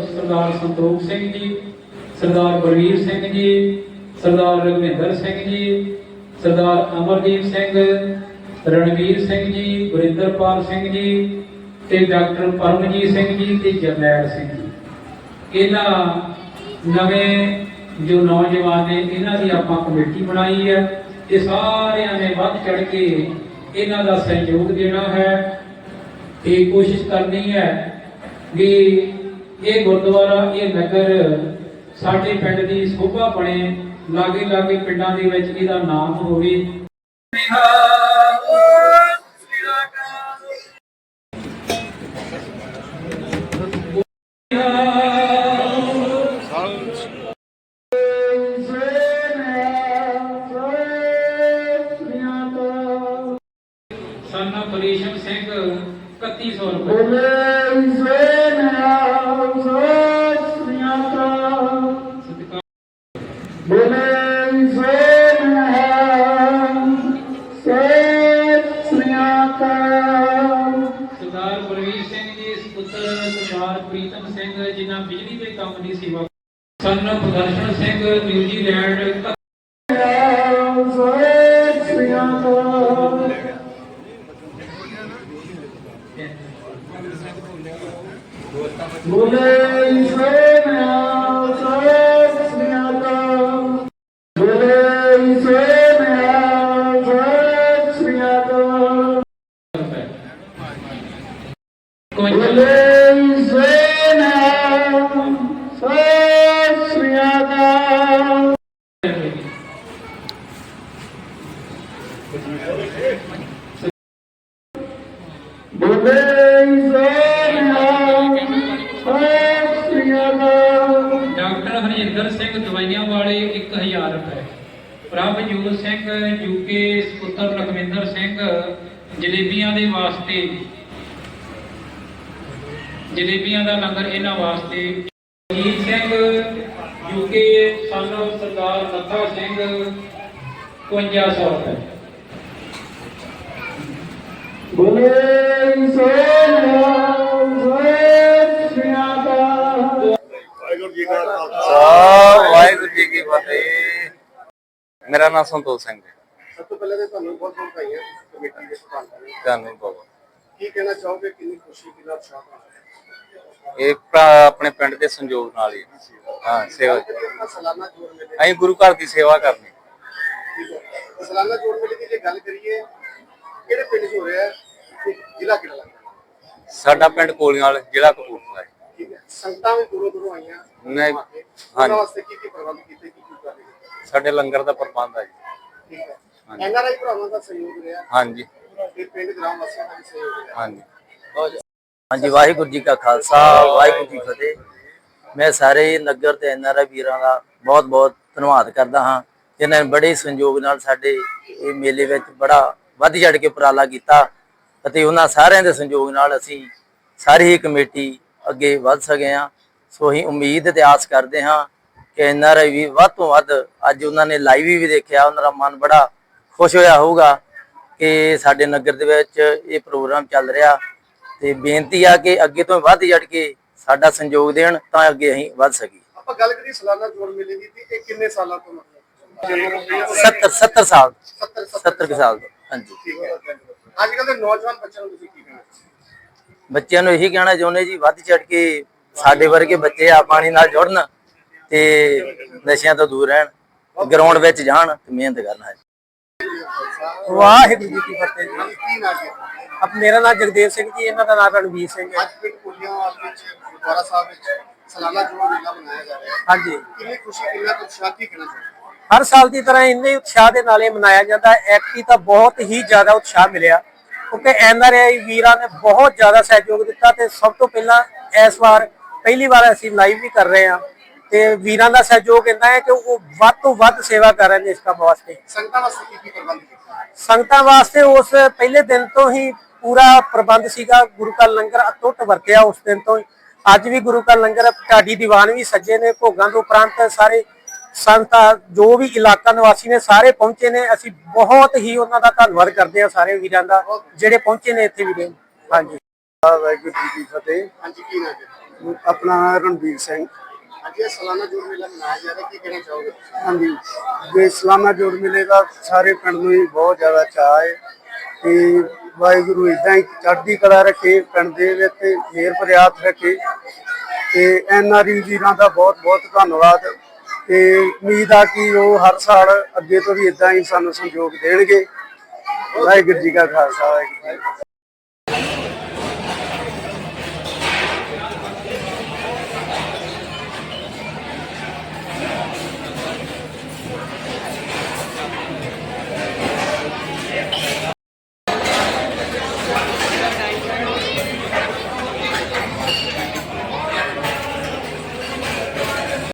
सरदार संतोख सिंह जी, सरदार बलवीर सिंह जी, सरदार रघुविंदर सिंह जी, सरदार अमरदीप सिंह, रणवीर सिंह जी, गुरिंदरपाल सिंह जी ते डॉक्टर परमजीत सिंह जी ते जरनैल सिंह जी। इन्हां नवें जो नौजवान ने इन्हां दी आपां कमेटी बनाई है। ये सारियां ने वध चढ़ के इन्हां दा सहयोग देना है ते कोशिश करनी है कि ये गुरुद्वारा ये नगर साडे पिंड दी शोभा बने, लागे लागे पिंडां दे विच इहदा नाम होवे। साना परेशम सिंह 3100 रुपये। सरदार बलवीर सिंह जी पुत्र सरदार प्रीतम सिंह जिन्हें बिजली के काम की सेवा। Son Pradarshan Singh New Zealand. Doctor Harjinder Singh दवाइयां वाले 1000 रुपए। प्रभजोत सिंह यूके पुत्र लखविंदर सिंह जलेबियां दे वास्ते, जलेबियां का लंगर इन्हां वास्ते। जीत सिंह यूके सन सरदार नत्था सिंह 5500 रुपए। वाहिगुरू जी की फतेह। मेरा नाम संतोख सिंह है। सब तो पहले तो ਤੁਹਾਨੂੰ ਬਹੁਤ ਬਹੁਤ ਭਾਈਆਂ ਕਮੇਟੀ ਦੇ ਪ੍ਰਧਾਨ ਜੀ ਧੰਨਵਾਦ ਬਾਬਾ। ਕੀ ਕਹਿਣਾ ਚਾਹੋਗੇ, ਕਿੰਨੀ ਖੁਸ਼ੀ ਕਿੰਨਾ ਉਤਸ਼ਾਹ ਇਹ ਭਰਾ ਆਪਣੇ ਪਿੰਡ ਦੇ ਸੰਯੋਗ ਨਾਲ ਹੀ ਹਾਂ ਸੇਵਾ ਸਾਲਾਨਾ ਜੋੜ ਮੇਲੇ ਅਸੀਂ ਗੁਰੂ ਘਰ ਦੀ ਸੇਵਾ ਕਰਨੀ। ਠੀਕ ਹੈ, ਸਾਲਾਨਾ ਜੋੜ ਮੇਲੇ ਦੀ ਜੇ ਗੱਲ ਕਰੀਏ ਕਿਹੜੇ ਪਿੰਡ 'ਚ ਹੋ ਰਿਹਾ ਹੈ ਤੇ ਜ਼ਿਲ੍ਹਾ ਕਿਹੜਾ ਲੱਗਦਾ? ਸਾਡਾ ਪਿੰਡ ਕੋਲੀਆਂ ਜ਼ਿਲ੍ਹਾ ਕਪੂਰਥਲਾ ਹੈ। ਠੀਕ ਹੈ, ਸੰਗਤਾਂ ਵੀ ਦੂਰੋਂ ਦੂਰੋਂ ਆਈਆਂ ਨਹੀਂ ਉਹਨਾਂ ਵਾਸਤੇ ਕੀ ਪ੍ਰਬੰਧ ਕੀਤੇ, ਕੀ ਕਰ ਰਹੇ? ਸਾਡੇ ਲੰਗਰ ਦਾ ਪ੍ਰਬੰਧ ਹੈ ਜੀ। ਠੀਕ ਹੈ, ਐਨਆਰਆਈ ਭਰਾਵਾਂ ਦਾ ਸਹਿਯੋਗ ਰਿਹਾ ਹਾਂਜੀ ਤੇ ਪਿੰਡ ਗ੍ਰਾਮ ਵਾਸੀਆਂ ਦਾ ਵੀ ਸਹਿਯੋਗ ਰਿਹਾ। ਹਾਂਜੀ ਹਾਂਜੀ, ਵਾਹਿਗੁਰੂ ਜੀ ਕਾ ਖਾਲਸਾ ਵਾਹਿਗੁਰੂ ਜੀ ਕੀ ਫਤਿਹ। ਮੈਂ ਸਾਰੇ ਨਗਰ ਤੇ ਐਨਆਰਆਈ ਵੀਰਾਂ ਦਾ ਬਹੁਤ ਬਹੁਤ ਧੰਨਵਾਦ ਕਰਦਾ ਹਾਂ ਜਿਨ੍ਹਾਂ ਨੇ ਬੜੇ ਸੰਯੋਗ ਨਾਲ ਸਾਡੇ ਇਹ ਮੇਲੇ ਵਿੱਚ ਬੜਾ ਵੱਧ ਚੜ੍ਹ ਕੇ ਉਪਰਾਲਾ ਕੀਤਾ ਅਤੇ ਉਹਨਾਂ ਸਾਰਿਆਂ ਦੇ ਸੰਯੋਗ ਨਾਲ ਅਸੀਂ ਸਾਰੀ ਹੀ ਕਮੇਟੀ ਅੱਗੇ ਵੱਧ ਸਕੇ ਹਾਂ। ਸੋ ਅਸੀਂ ਉਮੀਦ ਤੇ ਆਸ ਕਰਦੇ ਹਾਂ ਕਿ ਐਨਆਰਆਈ ਵੀ ਵੱਧ ਤੋਂ ਵੱਧ, ਅੱਜ ਉਹਨਾਂ ਨੇ ਲਾਈਵ ਵੀ ਦੇਖਿਆ, ਉਹਨਾਂ ਦਾ ਮਨ ਬੜਾ ਖੁਸ਼ ਹੋਇਆ ਹੋਊਗਾ ਕਿ ਸਾਡੇ ਨਗਰ ਦੇ ਵਿੱਚ ਇਹ ਪ੍ਰੋਗਰਾਮ ਚੱਲ ਰਿਹਾ। ਤੇ ਬੇਨਤੀ ਆ ਕਿ ਅੱਗੇ ਤੋਂ ਵੱਧ ਚੜ ਕੇ ਸਾਡਾ ਸੰਯੋਗ ਦੇਣ ਤਾਂ ਅੱਗੇ ਅਸੀਂ ਵੱਧ ਸਕੀਏ। ਆਪਾਂ ਗੱਲ ਕਰੀਏ ਸਾਲਾਨਾ ਜੋੜ ਮੇਲੇ ਦੀ ਤੇ ਇਹ ਕਿੰਨੇ ਸਾਲਾਂ ਤੋਂ ਮਤਲਬ 70 ਸਾਲ 70 ਸਾਲ ਤੋਂ। ਹਾਂਜੀ, ਠੀਕ ਹੈ। ਅੱਜ ਕੱਲ ਦੇ ਨੌਜਵਾਨ ਬੱਚਿਆਂ ਨੂੰ ਤੁਸੀਂ ਕੀ ਕਹਿਣਾ? ਬੱਚਿਆਂ ਨੂੰ ਇਹੀ ਕਹਿਣਾ ਚਾਹੁੰਦੇ ਜੀ, ਵੱਧ ਚੜ ਕੇ ਸਾਡੇ ਵਰਗੇ ਬੱਚੇ ਆ ਪਾਣੀ ਨਾਲ ਜੁੜਨ ਤੇ ਨਸ਼ਿਆਂ ਤੋਂ ਦੂਰ ਰਹਿਣ, ਗਰਾਊਂਡ ਵਿੱਚ ਜਾਣ ਤੇ ਮਿਹਨਤ ਕਰਨ। ਹੈ ਵਾਹਿਗੁਰੂ ਜੀ ਕੀ ਫਤਿਹ ਜੀ। ਕੀ ਨਾ ਜੀ ਅਬ ਮੇਰਾ ਨਾਮ ਜਗਦੇਵ ਸਿੰਘ ਜੀ, ਇਹਨਾਂ ਦਾ ਨਾਮ ਰਣਵੀਰ ਸਿੰਘ ਹੈ। ਅੱਜ ਪਿੰਡ ਕੋਲੀਆਂਵਾਲ ਵਿੱਚ ਗੁਰਦੁਆਰਾ ਸਾਹਿਬ ਵਿੱਚ ਸਾਲਾਨਾ ਜੋੜ ਮੇਲਾ ਮਨਾਇਆ ਜਾ ਰਿਹਾ ਹੈ। ਹਾਂਜੀ, ਕਿੰਨੀ ਖੁਸ਼ੀ, ਕਿੰਨਾ ਉਤਸ਼ਾਹ, ਕੀ ਕਹਿਣਾ ਚਾਹੁੰਦੇ? ਹਰ ਸਾਲ ਦੀ ਤਰ੍ਹਾਂ ਇੰਨੇ ਉਤਸ਼ਾਹ ਦੇ ਨਾਲ ਇਹ ਮਨਾਇਆ ਜਾਂਦਾ ਹੈ। ਐਕਟੀ ਤਾਂ ਬਹੁਤ ਹੀ ਜ਼ਿਆਦਾ ਉਤਸ਼ਾਹ ਮਿਲਿਆ ਕਿਉਂਕਿ ਐਨਆਰਆਈ ਵੀਰਾਂ ਨੇ ਬਹੁਤ ਜ਼ਿਆਦਾ ਸਹਿਯੋਗ ਦਿੱਤਾ ਤੇ ਸਭ ਤੋਂ ਪਹਿਲਾਂ ਇਸ ਵਾਰ ਪਹਿਲੀ ਵਾਰ ਅਸੀਂ ਲਾਈਵ ਵੀ ਕਰ ਰਹੇ ਹਾਂ ਤੇ ਵੀਰਾਂ ਦਾ ਸਹਿਯੋਗ ਇੰਨਾ ਹੈ ਕਿ ਉਹ ਵੱਧ ਤੋਂ ਵੱਧ ਸੇਵਾ ਕਰ ਰਹੇ ਨੇ ਇਸ ਕੰਮ ਵਾਸਤੇ। ਸੰਗਤਾਂ ਵਾਸਤੇ ਕੀ ਪ੍ਰਬੰਧ ਕੀਤਾ? ਸੰਗਤਾਂ ਵਾਸਤੇ ਉਸ ਪਹਿਲੇ ਦਿਨ ਤੋਂ ਹੀ ਪੂਰਾ ਪ੍ਰਬੰਧ ਸੀਗਾ। ਗੁਰੂ ਕਾ ਲੰਗਰ ਅਟੁੱਟ ਵਰਤਿਆ ਉਸ ਦਿਨ ਤੋਂ ਹੀ। ਅੱਜ ਵੀ ਗੁਰੂ ਕਾ ਲੰਗਰ, ਢਾਡੀ ਦੀਵਾਨ ਵੀ ਸੱਜੇ ਨੇ। ਭੋਗਾਂ ਤੋਂ ਉਪਰੰਤ ਸਾਰੇ ਸੰਗਤਾਂ ਜੋ ਵੀ ਇਲਾਕਾ ਨਿਵਾਸੀ ਨੇ ਸਾਰੇ ਪਹੁੰਚੇ ਨੇ। ਅਸੀਂ ਬਹੁਤ ਹੀ ਉਹਨਾਂ ਦਾ ਧੰਨਵਾਦ ਕਰਦੇ ਹਾਂ ਸਾਰੇ ਵੀਰਾਂ ਦਾ ਜਿਹੜੇ ਪਹੁੰਚੇ ਨੇ ਇੱਥੇ ਵੀਰੇ। ਹਾਂਜੀ, ਵਾਹਿਗੁਰੂ ਜੀ ਕੀ ਫਤਿਹ। ਹਾਂਜੀ, ਕੀ ਨਾਮ ਹੈ? ਆਪਣਾ ਰਣਬੀਰ ਸਿੰਘ। ਅੱਜ ਇਹ ਸਾਲਾਨਾ ਜੋੜ ਮੇਲਾ ਮਨਾਇਆ ਜਾ ਰਿਹਾ, ਕੀ ਕਹਿਣਾ ਚਾਹੋਗੇ? ਹਾਂਜੀ, ਜੇ ਸਾਲਾਨਾ ਜੋੜ ਮੇਲੇ ਦਾ ਸਾਰੇ ਪਿੰਡ ਨੂੰ ਹੀ ਬਹੁਤ ਜ਼ਿਆਦਾ ਚਾਅ ਹੈ ਤੇ ਵਾਹਿਗੁਰੂ ਇਦਾਂ ਹੀ ਚੜ੍ਹਦੀ ਕਲਾ ਰੱਖੇ, ਪਿੰਡ ਦੇ ਵਿੱਚ ਤੇ ਮਿਹਰ ਪ੍ਰਿਆਤ ਰੱਖੇ ਤੇ NRI ਵੀਰਾਂ ਦਾ ਬਹੁਤ ਬਹੁਤ ਧੰਨਵਾਦ ਤੇ ਉਮੀਦ ਆ ਕਿ ਉਹ ਹਰ ਸਾਲ ਅੱਗੇ ਤੋਂ ਵੀ ਇਦਾਂ ਹੀ ਸਾਨੂੰ ਸਹਿਯੋਗ ਦੇਣਗੇ। ਵਾਹਿਗੁਰੂ ਜੀ ਕਾ ਖਾਲਸਾ, ਵਾਹਿਗੁਰੂ ਜੀ ਕੀ ਫਤਿਹ।